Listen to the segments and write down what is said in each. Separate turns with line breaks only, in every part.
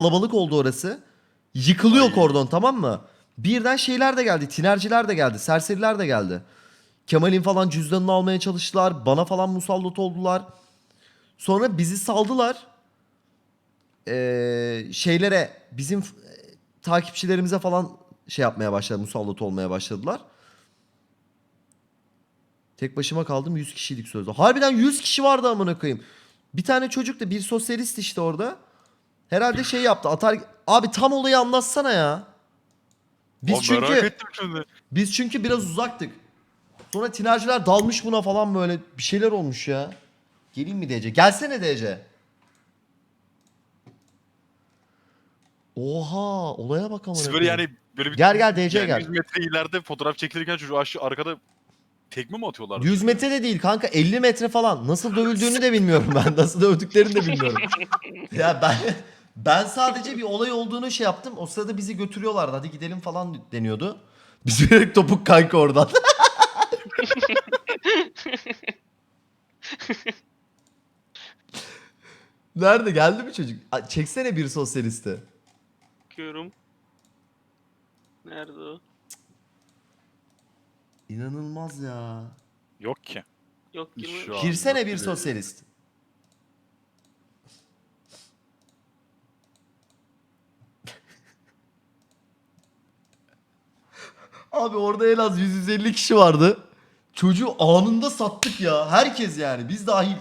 kalabalık oldu orası. Yıkılıyor
Ay.
kordon, tamam mı? Birden şeyler de geldi. Tinerciler de geldi. Serseriler de geldi. Kemal'in falan cüzdanını almaya çalıştılar. Bana falan musallat oldular. Sonra bizi saldılar. Şeylere bizim takipçilerimize falan şey yapmaya başladı. Musallat olmaya başladılar. Tek başıma kaldım, 100 kişiydik sözde. Harbiden 100 kişi vardı amına koyayım. Bir tane çocuk da, bir sosyalist işte orada. Herhalde şey yaptı. Atar abi, tam olayı anlatsana ya. Biz
Abi merak
çünkü
ettim şimdi.
biz çünkü biraz uzaktık. Sonra tinerciler dalmış buna falan, böyle bir şeyler olmuş ya. Geleyim mi DC? Gelsene DC. Oha, olaya bak amına
Siz böyle
koyayım.
yani böyle bir
Gel gel DC
yani 100
gel.
metre ileride fotoğraf çekilirken çocuğu aşağı arkada tekme mi atıyorlardı
100
çocuğa?
metre de değil kanka, 50 metre falan. Nasıl dövüldüğünü de bilmiyorum ben. Nasıl dövdüklerini de bilmiyorum. Ya ben sadece bir olay olduğunu şey yaptım. O sırada bizi götürüyorlardı. Hadi gidelim falan deniyordu. Biz direkt topuk kanka oradan. Nerede, geldi mi çocuk? Çeksene bir sosyalisti.
Bakıyorum. Nerede o?
İnanılmaz ya.
Yok ki.
Yok girmemiş.
Şu an
Girsene
yok
bir
gibi.
sosyalist. Abi orada en az 150 kişi vardı. Çocuğu anında sattık ya. Herkes yani. Biz dahil.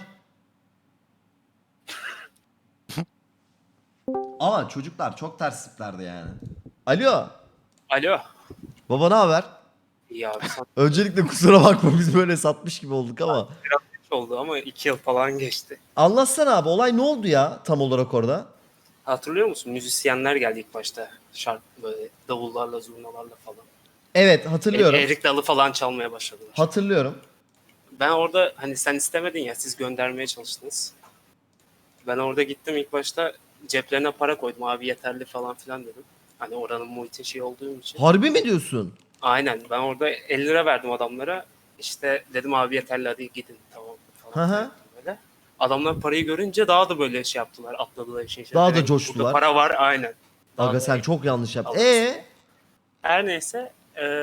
Ama çocuklar çok ters tiplerdi yani. Alo.
Alo.
Baba ne haber?
İyi abi sana
Öncelikle kusura bakma, biz böyle satmış gibi olduk ama.
biraz geç oldu ama 2 yıl falan geçti.
Anlatsana abi, olay ne oldu ya tam olarak orada?
Hatırlıyor musun? Müzisyenler geldi ilk başta. Şarkı böyle davullarla, zurnalarla falan.
Evet, hatırlıyorum.
Erik dalı falan çalmaya başladılar.
Hatırlıyorum.
Ben orada hani sen istemedin ya, siz göndermeye çalıştınız. Ben orada gittim ilk başta, ceplerine para koydum, abi yeterli falan filan dedim. Hani oranın muhitin şey olduğum için.
Harbi mi diyorsun?
Aynen, ben orada 50 lira verdim adamlara. İşte dedim abi yeterli, hadi gidin tamam
Hı
falan
hı.
filan yaptım böyle. Adamlar parayı görünce daha da böyle şey yaptılar, atladılar işin içine.
Daha da
Direkt
coştular.
burada para var, aynen. Daha
Aga
da
sen çok yanlış yaptın.
alırız. Her neyse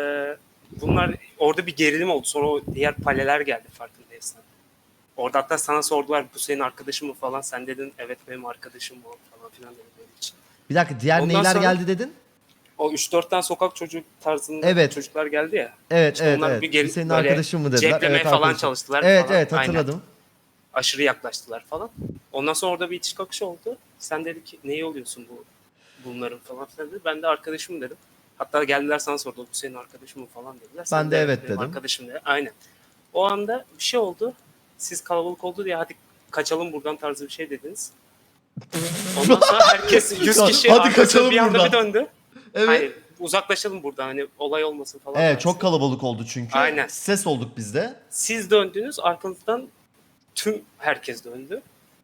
bunlar orada bir gerilim oldu. Sonra o diğer paleler geldi farkındaysan. Orada hatta sana sordular, bu senin arkadaşın mı falan. Sen dedin evet benim arkadaşım bu falan filan dedim benim için.
Bir dakika, diğer
Ondan
neyler
sonra-
geldi dedin?
O 3-4 tane sokak çocuk tarzında
Evet.
çocuklar geldi ya.
Evet
İşte
evet
onlar
evet.
bir geri-
Senin
böyle
arkadaşın mı dediler?
ceplemeye
Evet,
falan
arkadaşım.
çalıştılar
Evet
falan.
evet, hatırladım.
Aşırı yaklaştılar falan. Ondan sonra orada bir itiş kakış oldu. Sen dedi ki neyi oluyorsun bunların falan filan dedi. Ben de arkadaşım dedim. Hatta geldiler sana sordu, bu senin arkadaşın mı falan dediler. Sen
Ben de evet
benim
dedim.
arkadaşım dedi. Aynen. O anda bir şey oldu. Siz kalabalık oldu diye hadi kaçalım buradan tarzı bir şey dediniz. Ondan sonra herkes 100 kişi
Hadi
arkasına
kaçalım
bir anda
buradan.
bir döndü.
Evet.
Hani uzaklaşalım buradan, hani olay olmasın falan.
Evet,
tarzı.
çok kalabalık oldu çünkü.
Aynen.
Ses olduk biz de.
Siz döndünüz, arkanızdan tüm herkes döndü.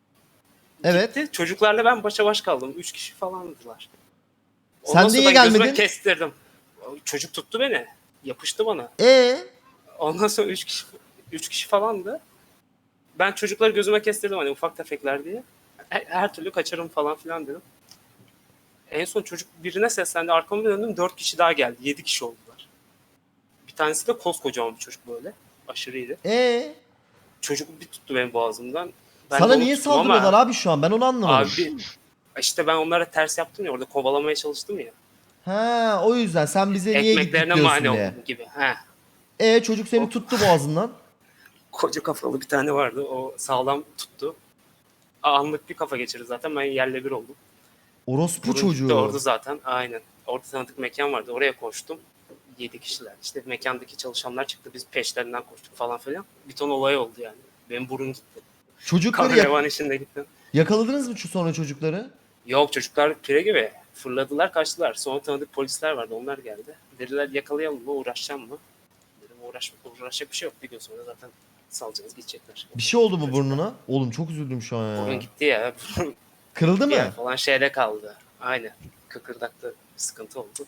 Evet.
Gitti. Çocuklarla ben başa baş kaldım. 3 kişi falandılar.
Sen
Ondan
de
sonra
niye
ben gözüme
gelmedin?
kestirdim. Çocuk tuttu beni. Yapıştı bana.
E
Ondan sonra 3 kişi falandı. Ben çocukları gözüme kestirdim hani ufak tefekler diye. Her türlü kaçarım falan filan dedim. En son çocuk birine seslendi. Arkamı döndüm. 4 kişi daha geldi. 7 kişi oldular. Bir tanesi de koskocaman bir çocuk böyle. Aşırı iyiydi. Çocuk bir tuttu benim boğazımdan. Ben de
Sana
onu
niye
tuttum
saldırıyorlar
ama
abi şu an? Ben onu anlamadım.
abi işte ben onlara ters yaptım ya, orada kovalamaya çalıştım ya.
Ha, o yüzden sen bize niye gittik
Ekmeklerine
diyorsun
mani
diye.
oldum gibi. He.
Çocuk seni
O
tuttu boğazından.
koca kafalı bir tane vardı. O sağlam tuttu. Anlık bir kafa geçirdi zaten. Ben yerle bir oldum.
Orospu
Burun gitti orada
çocuğu.
zaten. Aynen. Orada tanıdık mekan vardı. Oraya koştum. 7 kişiler. İşte mekandaki çalışanlar çıktı. Biz peşlerinden koştuk falan filan. Bir ton olay oldu yani. Benim burun gitti.
Çocukları
Kan revan içinde gitti.
yakaladınız mı sonra çocukları?
Yok, çocuklar pire gibi. Fırladılar kaçtılar. Sonra tanıdık polisler vardı. Onlar geldi. Dediler yakalayalım mı, uğraşacağım mı? Dedim uğraşacak bir şey yok. Bir gün sonra zaten salacağız, gidecekler.
Bir şey oldu mu
Çocuklar.
burnuna? Oğlum çok üzüldüm şu an
Burun
ya.
gitti ya.
Kırıldı
Bir yer
mı?
falan şeyde kaldı. Aynen. Kıkırdakta bir sıkıntı oldu.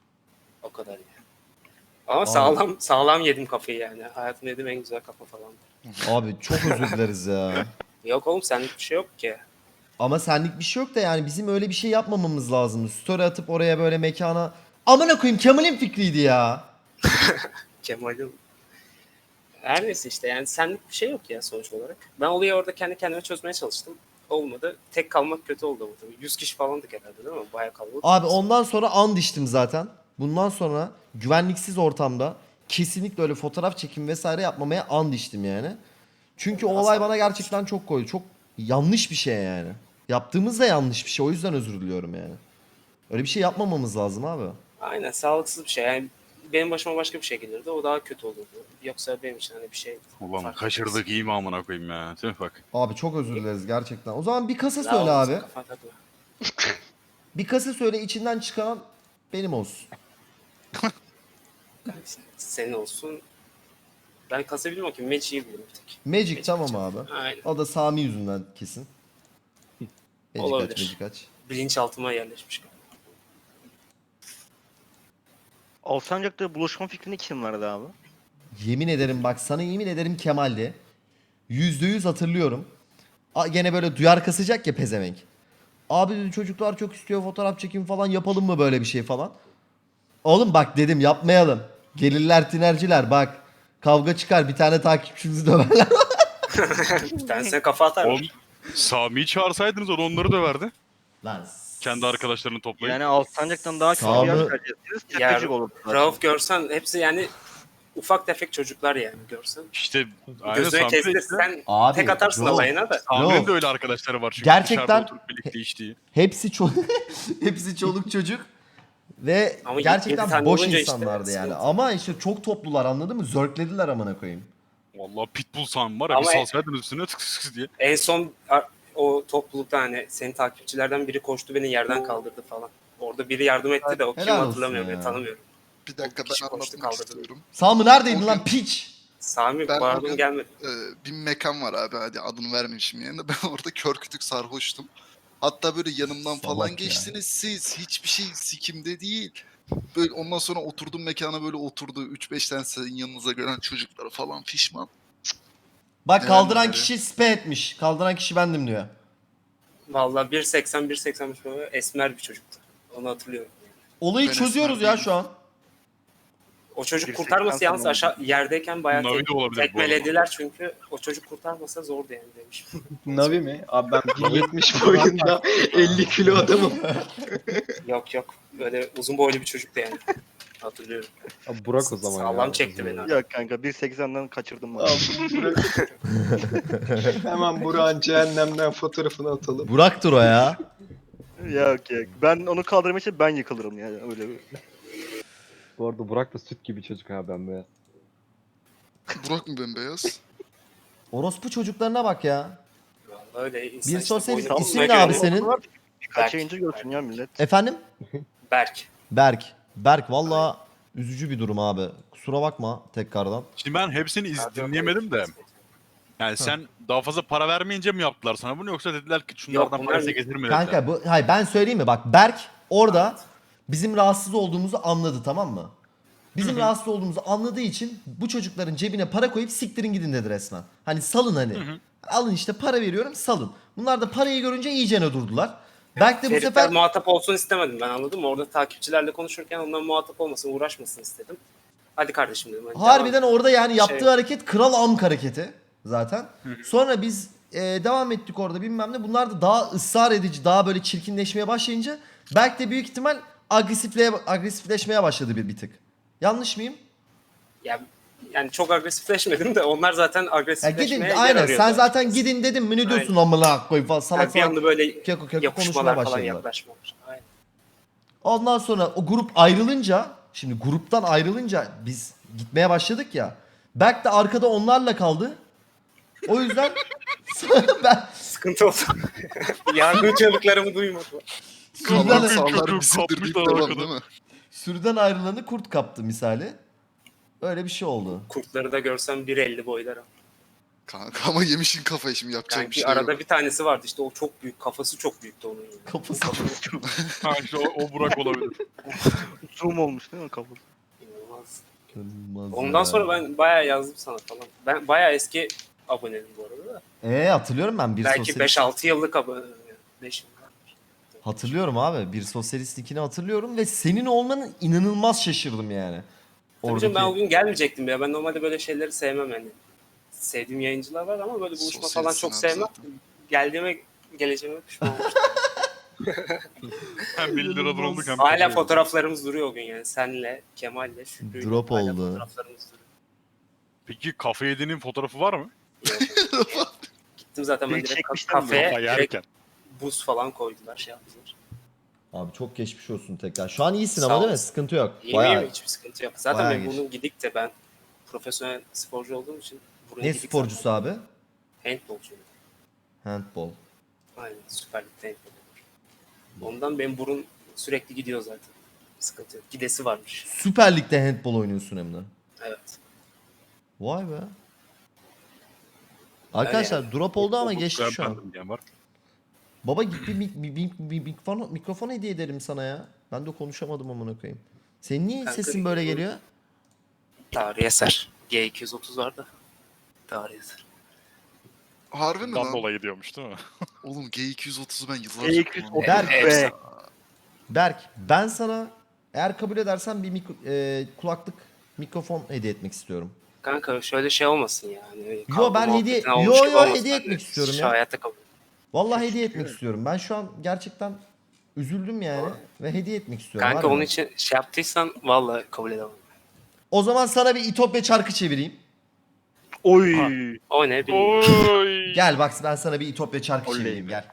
O kadar yani. Ama
Abi.
sağlam yedim kafayı yani. Hayatımda yediğim en güzel kafa falan.
Abi çok özür dileriz ya.
Yok oğlum, senlik bir şey yok ki.
Ama senlik bir şey yok da yani bizim öyle bir şey yapmamamız lazım. Story atıp oraya böyle mekana... Amına koyayım Kemal'in fikriydi ya.
Kemal'in. Her neyse işte yani senlik bir şey yok ya sonuç olarak. Ben olayı orada kendi kendime çözmeye çalıştım. Olmadı. Tek kalmak kötü oldu bu tabii. 100 kişi falandık herhalde değil mi? Bayağı kalabalık.
Abi ondan sonra and içtim zaten. Bundan sonra güvenliksiz ortamda kesinlikle öyle fotoğraf çekim vesaire yapmamaya and içtim yani. Çünkü o olay bana gerçekten çok koydu. Çok yanlış bir şey yani. Yaptığımız da yanlış bir şey. O yüzden özür diliyorum yani. Öyle bir şey yapmamamız lazım abi.
Aynen sağlıksız bir şey. Yani benim başıma başka bir şey gelirdi. O daha kötü olurdu. Yoksa benim için hani bir şey...
Ulan
fark
kaçırdık iyi mi amına koyayım ya. Değil mi bak.
Abi çok özür dileriz gerçekten. O zaman bir kasa
etmez.
söyle
Daha
abi.
olmasın, kafa takma.
Bir kasa söyle içinden çıkan benim olsun.
Senin olsun. Ben kasa bilmiyorum ki. Magic'i bilirim bir tek.
Magic tamam
açacağım.
abi.
Aynen.
O da Sami yüzünden kesin. Magic
Olabilir.
aç, Magic aç.
Bilinçaltıma yerleşmiş.
Alsancak'ta buluşma fikrini kim verdi abi?
Yemin ederim bak sana yemin ederim Kemal'di. %100 hatırlıyorum. Gene böyle duyar kasacak ya pezevenk. Abi dedi çocuklar çok istiyor fotoğraf çekim falan yapalım mı böyle bir şey falan. Oğlum bak dedim yapmayalım. Gelirler tinerciler bak. Kavga çıkar bir tane takipçimizi döverler.
Bir tanesine kafa atar.
Oğlum Sami'yi çağırsaydınız o da onları döverdi.
Lan.
Kendi arkadaşlarını toplayıp.
Yani Alsancak'tan daha çok
Sağ
bir yer
mı?
tercih etsiniz.
Ya,
Tepecik olur.
Rauf görsen hepsi yani ufak tefek çocuklar yani görsen.
İşte aynen
Gözüne
Sami de
kesti
işte.
sen
Abi,
tek atarsın
yok.
alayına da.
Sami'nin
Yok.
de öyle arkadaşları var çünkü.
Gerçekten-
Dışarıda oturup birlikte içtiği.
Hepsi hepsi çoluk çocuk. Ve
Ama yedi
gerçekten
tane
boş
olunca işte,
insanlardı yani.
sıkıntı.
Ama işte çok toplular anladın mı? Zörklediler amına koyayım.
Vallahi pitbull Sami var ya
Ama-
bir salsaydınız üstüne tık tık tık diye.
En son o toplulukta hani senin takipçilerden biri koştu beni yerden kaldırdı falan. Orada biri yardım etti de o kim
Helal olsun
hatırlamıyorum
ya.
ya tanımıyorum.
Bir dakika
kişi
ben
koştu,
anlatmak
kaldırdı.
istiyorum.
Sami neredeydin
O
lan
gün-
piç?
Sami
Ben o
pardon
gün-
gelmedi.
Bir mekan var abi hadi adını vermeyeyim yani. Ben orada kör kütük sarhoştum. Hatta böyle yanımdan
Salak
falan
ya.
geçtiniz siz. Hiçbir şey sikimde değil. Böyle ondan sonra oturdum mekana böyle oturdu. 3-5 tane sizin yanınıza gelen çocuklar falan fişman.
Bak
Neler
kaldıran
neler
kişi spe etmiş. Kaldıran kişi bendim diyor.
Vallahi 1.80 böyle esmer bir çocuktu. Onu hatırlıyorum.
Olayı
Ben
çözüyoruz
esmer
ya
değilim.
şu an.
O çocuk
1.80
kurtarması yalnız
falan
aşağı yerdeyken bayağı
Navi de olabilir bu arada.
tekmelediler çünkü o çocuk kurtarmasa zordu yani demiş.
Navi mi? Abi ben 1.70 boyunda 50 kilo adamım.
Yok böyle uzun boylu bir çocuktu yani. Hatırlıyorum.
Abi Burak o zaman
Sağlam
ya.
çekti beni.
Yok kanka 1.80'den kaçırdım ben.
Abi Burak. Hemen Burak'ın cehennemden fotoğrafını atalım.
Burak'tır o ya.
Yok. Ben onu kaldırmak için ben yıkılırım yani öyle bir.
Bu arada Burak da süt gibi çocuk abi ben be.
Burak mı bembeyaz?
Orospu çocuklarına bak ya.
Vallahi öyle insan
Bir
işte
sosyal
boynu
isim
kısmına
ne abi
göre-
senin?
Birkaç
Berk.
yayıncı görsün ya millet.
Efendim?
Berk.
Berk valla üzücü bir durum abi. Kusura bakma tekrardan.
Şimdi ben hepsini dinleyemedim de. Yani sen daha fazla para vermeyince mi yaptılar sana bunu yoksa dediler ki şunlardan
bunlar-
parası getir mi dediler.
Kanka hayır ben söyleyeyim mi? Bak Berk orada bizim rahatsız olduğumuzu anladı tamam mı? Bizim rahatsız olduğumuzu anladığı için bu çocukların cebine para koyup siktirin gidin dedi resmen. Hani salın hani. Alın işte para veriyorum salın. Bunlar da parayı görünce iyicene durdular. Berk de bu
Feritler
sefer
muhatap olsun istemedim ben anladım mı? Orada takipçilerle konuşurken ondan muhatap olmasın, uğraşmasın istedim. Hadi kardeşim dedim. Hadi
harbiden
devam.
orada yani yaptığı
Şey-
hareket kral amk hareketi zaten. Sonra biz devam ettik orada bilmem ne. Bunlar da daha ısrar edici, daha böyle çirkinleşmeye başlayınca Berk de büyük ihtimal agresifleşmeye başladı bir tık. Yanlış mıyım?
Yani çok agresifleşmedim de onlar zaten
Ya
agresifleşmeye
gidin
yer
aynen
arıyordu.
sen zaten gidin dedim mi ne diyorsun amına koyayım falan salak
Yani bir
salak
anda böyle
keko konuşmaya
yapışmalar falan
başladılar.
yaklaşmalar. Aynen.
Ondan sonra o grup ayrılınca şimdi gruptan ayrılınca biz gitmeye başladık ya. Berk de arkada onlarla kaldı. O yüzden ben
Sıkıntı oldu. Yardım çığlıklarımı duymadı.
Sallar
sürüden,
sallar
Çocuğu
bizimdir deyip
kapmışlar
devam
arkada.
değil mi?
sürüden ayrılanı kurt kaptı misali. Öyle bir şey oldu.
Kurtları da görsem 1.50 boyları.
Kanka ama yemişin kafayı şimdi yapacak bir
Sanki
şey
arada
yok.
bir tanesi vardı işte o çok büyük kafası çok büyüktü onun. Yani.
Kafası.
Ha işte o Burak olabilir.
Zoom olmuş değil mi kafası?
İnanılmaz.
İnanılmaz
Ondan
ya.
sonra ben bayağı yazdım sana falan. Ben bayağı eski aboneyim bu arada da.
Hatırlıyorum ben bir
Belki
sosyal...
5-6 yıllık abone. 5
Hatırlıyorum abi. Bir sosyalist ikini hatırlıyorum ve senin olmanın inanılmaz şaşırdım yani.
Tabii canım, ben o
Oradaki...
gün gelmeyecektim ya. Ben normalde böyle şeyleri sevmem yani. Sevdiğim yayıncılar var ama böyle buluşma falan
Sosyalistsin
çok
abi
sevmem.
zaten.
Geleceğime pişman olmuştum.
Hem 1 liradan olduk hem
Hala
kafaya
fotoğraflarımız duruyor o gün yani. Senle, Kemal'le, Şükrü'yle
Drop
hala
oldu.
fotoğraflarımız duruyor.
Peki kafe yediğinin fotoğrafı var mı?
Gittim zaten ben
Biri
direkt
çekmişler mi?
kafeye,
Kafa
direkt
yerken.
buz falan koydular, şey yaptılar.
Abi çok geçmiş olsun tekrar. Şu an iyisin
Sağ
ama değil mi?
olasın.
Sıkıntı yok.
İyi
Bayağı.
miyim? Hiçbir sıkıntı yok. Zaten
bayağı
ben
geç.
bunu gidik de ben profesyonel sporcu olduğum için buraya
Ne
gidik
sporcusu
zaten.
abi?
Handbolcuyum.
Handball.
Aynen, Süper Lig'de handbol olur. Ondan benim burun sürekli gidiyor zaten. Sıkıntı yok. Gidesi varmış.
Süper Lig'de handball oynuyorsun hem de.
Evet.
Vay be. Arkadaşlar drop oldu ama
Olduk,
geçti şu an.
beğenmedim diyen var.
Baba git bir mikrofon hediye ederim sana ya. Ben de konuşamadım amına koyayım. Senin niye
Kanka,
sesin böyle geliyor?
Tarihi eser. G230 var da. Tarihi eser.
Harbi mi
Dan
lan?
dolayı diyormuş değil mi?
Oğlum G230'u ben yıllarca
G230
kullandım.
Berk,
be.
Berk ben sana eğer kabul edersen bir kulaklık mikrofon hediye etmek istiyorum.
Kanka şöyle şey olmasın yani.
Yo, ben hediye- hediye etmek istiyorum ya.
Hayatta kabul.
Vallahi hediye etmek istiyorum. Ben şu an gerçekten üzüldüm yani ve hediye etmek istiyorum.
Kanka
harbiden.
onun için şey yaptıysan vallahi kabul edemem.
O zaman sana bir İtopya çarkı çevireyim.
Oy.
O ne bilmiyorum.
Oy.
Gel bak ben sana bir İtopya çarkı
Oley
çevireyim
be.
gel.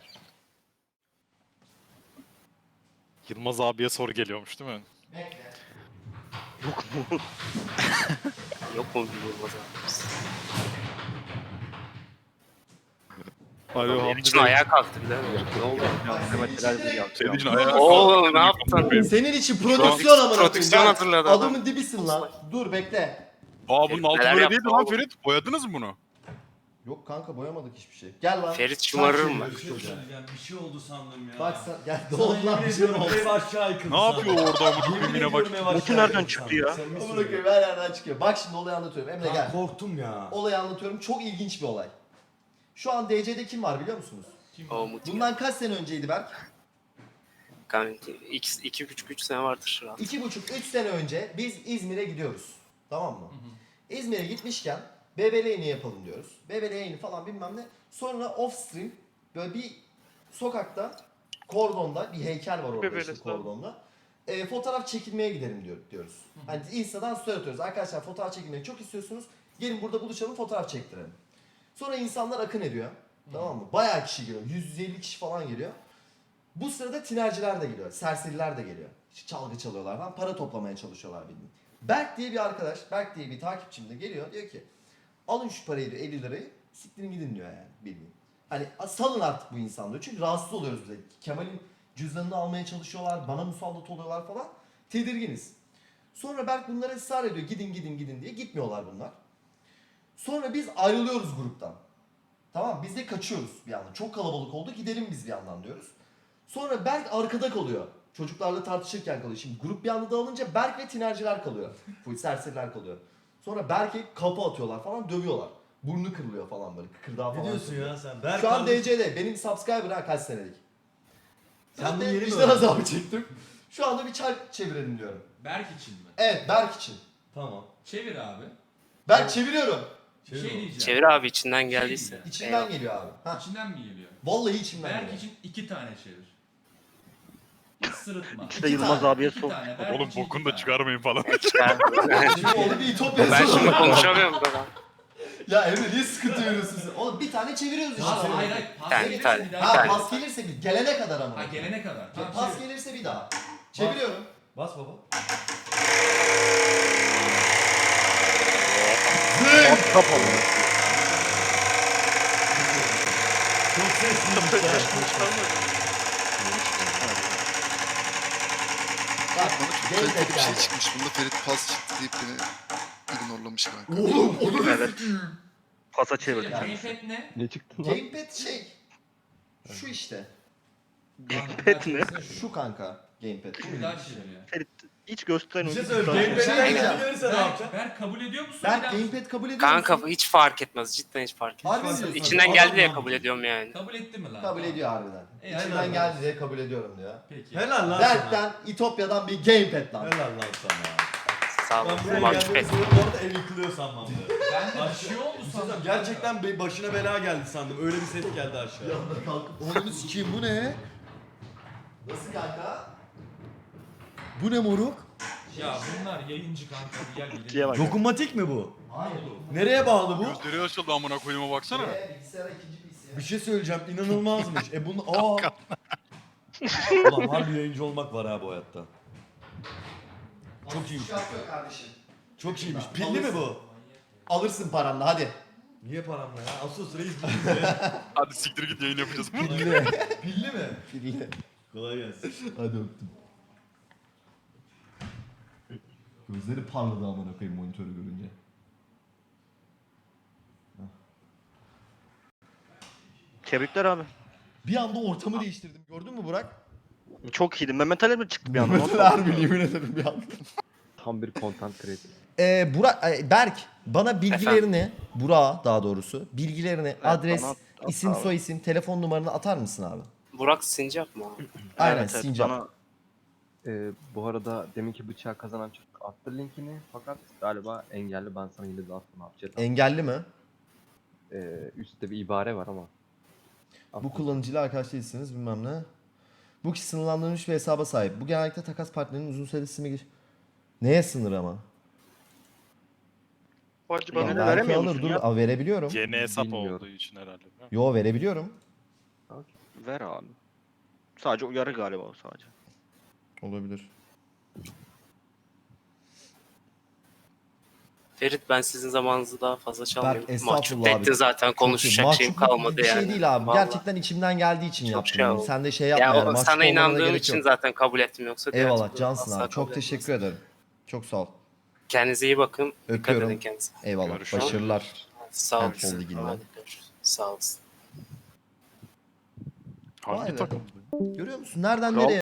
Yılmaz abiye soru geliyormuş değil mi?
Yok mu bilmiyorum o zaman.
Alo
Benim için ayağa kalktı bir de. Ne oldu?
Senin için ayağa
Oğlum ne yaptın?
Senin için prodüksiyon amına koyayım.
Prodüksiyon
Gel.
hazırladı adam.
Adamın dibisin lan. Dur bekle.
Aa bunun altı
Neler
böyle
yaptı
değildi lan
oğlum?
Ferit. Boyadınız mı bunu?
Yok kanka boyamadık hiçbir şey. Gel lan.
Ferit şımarır mı?
Çark çeviriyoruz çocuğa.
Bir şey oldu sandım ya.
Bak sen gel ne
Sana
oldu lan
yemin
bir şey mi
ediyorum
oldu?
ev aşağı yıkıldı.
Ne yapıyor orada amına
Yemin
koyayım yine bak.
ediyorum ev aşağı
Botu nereden
yıkıldı
çıktı
sandım.
ya?
Samimi
Amına
söylüyorum.
koyayım her yerden çıkıyor. Bak şimdi olayı anlatıyorum. Emre
Lan
gel.
korktum ya.
Olayı anlatıyorum. Çok ilginç bir olay. Şu an DC'de kim var biliyor musunuz?
O mutlaka.
Bundan kaç sene önceydi Berk?
Kanka 2,5-3 sene vardır rahat.
2,5-3 sene önce biz İzmir'e gidiyoruz. Tamam mı? İzmir'e gitmişken BBL yayını yapalım diyoruz. BBL yayını falan bilmem ne. Sonra off stream böyle bir sokakta kordonda bir heykel var orada işte kordonda. Fotoğraf çekilmeye gidelim diyoruz. Hani Insta'dan story atıyoruz. Arkadaşlar fotoğraf çekilmeyi çok istiyorsunuz. Gelin burada buluşalım fotoğraf çektirelim. Sonra insanlar akın ediyor. Tamam mı? Bayağı kişi geliyor. 150 kişi falan geliyor. Bu sırada tinerciler de geliyor. Serseriler de geliyor. İşte çalgı çalıyorlar falan. Para toplamaya çalışıyorlar bildiğin. Berk diye bir arkadaş, Berk diye bir takipçim de geliyor. Diyor ki alın şu parayı diyor, 50 lirayı. Siktirin gidin diyor yani bildiğin. Hani salın artık bu insan diyor. Çünkü rahatsız oluyoruz bize. Kemal'in cüzdanını almaya çalışıyorlar. Bana musallat oluyorlar falan. Tedirginiz. Sonra Berk bunlara ısrar ediyor. Gidin gidin gidin diye. Gitmiyorlar bunlar. Sonra biz ayrılıyoruz gruptan. Tamam biz de kaçıyoruz bir yandan. Çok kalabalık oldu gidelim biz bir yandan diyoruz. Sonra Berk arkada kalıyor. Çocuklarla tartışırken kalıyor. Şimdi grup bir anda dağılınca Berk ve tinerciler kalıyor. Full serseriler kalıyor. Sonra Berk'e kapı atıyorlar falan dövüyorlar. Burnu kırılıyor falan böyle kıkırdağı falan.
Ne diyorsun ya sen? Berk
Şu an
kardeşim,
DC'de benim subscriber ha kaç senelik.
Sen bunu
Ben de
yeni mi
vicdan
öğrendin?
azabı çektim. Şu anda bir çark çevirelim diyorum.
Berk için mi?
Evet Berk için.
Tamam.
Çevir abi.
Berk çeviriyorum.
Bir şey diyeceğim.
Çevir abi içinden geldiyse.
İçimden
Eyvallah.
geliyor abi. Ha.
İçinden mi geliyor?
Vallahi içimden
Berk
geliyor.
için 2 tane çevir. Hiç sırıtma.
İşte Yılmaz abiye
İki
sor.
tane, Berk
Oğlum
için
bokunu
iki
da
tane.
çıkarmayın falan.
Şimdi oldu bir İtopya
Ben şimdi
sorunu.
konuşamıyorum da.
Ya Emre niye sıkıntı veriyorsun sen? Oğlum bir tane çeviriyoruz işte.
Pas, hayır hayır. Pas
Tane,
gelirse
tane.
bir
Ha
daha.
tane.
pas gelirse bir gelene kadar ama.
Ha gelene kadar. Tamam,
Pas
çevir.
gelirse bir daha. Çeviriyorum.
Bas baba.
Kapalı.
Çok sesliymiş ya.
Bak
Bana çok
gamepad
kaliteli bir şey
geldi.
çıkmış. Bunda Ferit pas çıktı deyip beni ignorlamış kanka.
Oğlum onu da
Evet. Pasa çevirdim.
Gamepad ne?
Ne çıktı lan?
gamepad şey. Şu işte.
Gamepad ne?
Şu kanka. Gamepad.
Bir daha çeviriyor.
Ferit hiç gösteren
Bir şey
oyuncu.
söyleyeyim.
Bir şey
Gamepad'den
diyeceğim.
kabul verirse ne yapacaksın?
Berk kabul ediyor musun?
Ben
Bir daha-
gamepad kabul ediyor
Kanka
musun?
hiç fark etmez. Cidden hiç fark etmez.
Harbi mi diyorsun?
İçinden geldi diye
Adam
kabul ediyorum yani.
Kabul etti mi lan?
Kabul ediyor harbiden.
helal
İçinden
olsun.
geldi diye kabul ediyorum diyor.
Peki.
Helal lan sana.
Berk'ten, İtopya'dan bir gamepad lan.
Helal lan sana.
Sağ
Ben
olun.
buraya
Mahcup
geldiğim
ettim.
zaman bu arada ev yıkılıyor sanmam.
Ben de bir şey oldu
Bir şey
sandım.
söyleyeyim, gerçekten başına bela geldi sandım. Öyle bir ses geldi aşağı.
Yanına kalkıp onu sikeyim bu ne? Nasıl kanka? Bu ne moruk?
Ya bunlar yayıncı kanka. Gel
Diye
gidelim.
bak.
Dokunmatik mi bu?
Hayır.
Nereye bağlı bu?
Gözleri açıldı amına koyduğuma baksana.
Bilgisayara ikinci bilgisayar.
Bir şey söyleyeceğim, inanılmazmış. Bunu Ulan harbi yayıncı olmak var ha bu hayatta. Çok iyiymiş.
Şarkı kardeşim.
Çok iyiymiş. Pilli mi bu?
Alırsın paranla hadi.
Niye paramla ya? Asus reis bu bize.
Hadi siktir git yayın yapacağız.
Pilli mi?
Pilli.
Kolay gelsin.
Hadi öptüm. Gözleri parladı amına koyayım monitörü görünce.
Tebrikler abi.
Bir anda ortamı değiştirdim. Gördün mü Burak?
Çok iyiydi. Mehmet Ali mi çıktı bir anda?
Mesela harbi yemin ederim bir anda.
Tam bir content creator.
Berk bana bilgilerini, Burak'a daha doğrusu bilgilerini, adres,
bana at
isim,
abi.
soyisim, telefon numaranı atar mısın abi?
Burak Sincap mı abi?
Aynen
Evet, evet,
Sincap.
bana-
Bu arada deminki bıçağı kazanan çocuk attı linkini fakat galiba engelli, ben sana yine de attım abi. Chat attım.
Engelli mi?
Üstte bir ibare var ama.
Bu
Attım.
kullanıcıyla arkadaş değilsiniz bilmem ne. Bu kişi sınırlandırılmış bir hesaba sahip. Bu genellikle takas partnerinin uzun süreli sisteme gir. Neye sınır ama?
Bu acı bana
Ya
da
belki
veremiyor
alır,
musun
dur.
ya?
Aa, verebiliyorum.
Yeni hesap
Bilmiyorum.
olduğu için herhalde.
Yo verebiliyorum.
Ver abi. Sadece uyarı galiba o sadece.
Olabilir.
Ferit ben sizin zamanınızı daha fazla çalmayayım.
Berk,
Mahcup
estağfurullah abi.
ettin zaten, konuşacak şeyim
Mahcupluk
kalmadı
bir
yani.
şey değil abi.
Vallahi.
Gerçekten içimden geldiği için
Çok
yaptım.
şey
yani.
oldu.
Sen de şey yapma
Ya
yani.
o,
mahcup
sana
olmana
inandığım
gerek
için
yok.
zaten kabul ettim, yoksa diğer
Eyvallah
türlü
cansın
asla
abi. Çok
kabul
teşekkür
etmezdim.
ederim. Çok sağ ol.
Kendinize iyi bakın. Dikkat
Öpüyorum.
edin kendinize.
Eyvallah.
Görüşürüz.
Başarılar.
Sağ
Handball
olasın.
liginden.
Hadi görüşürüz. Sağ olasın.
Vay
Hangi
be.
takım?
Görüyor musun? Nereden
Kral
nereye?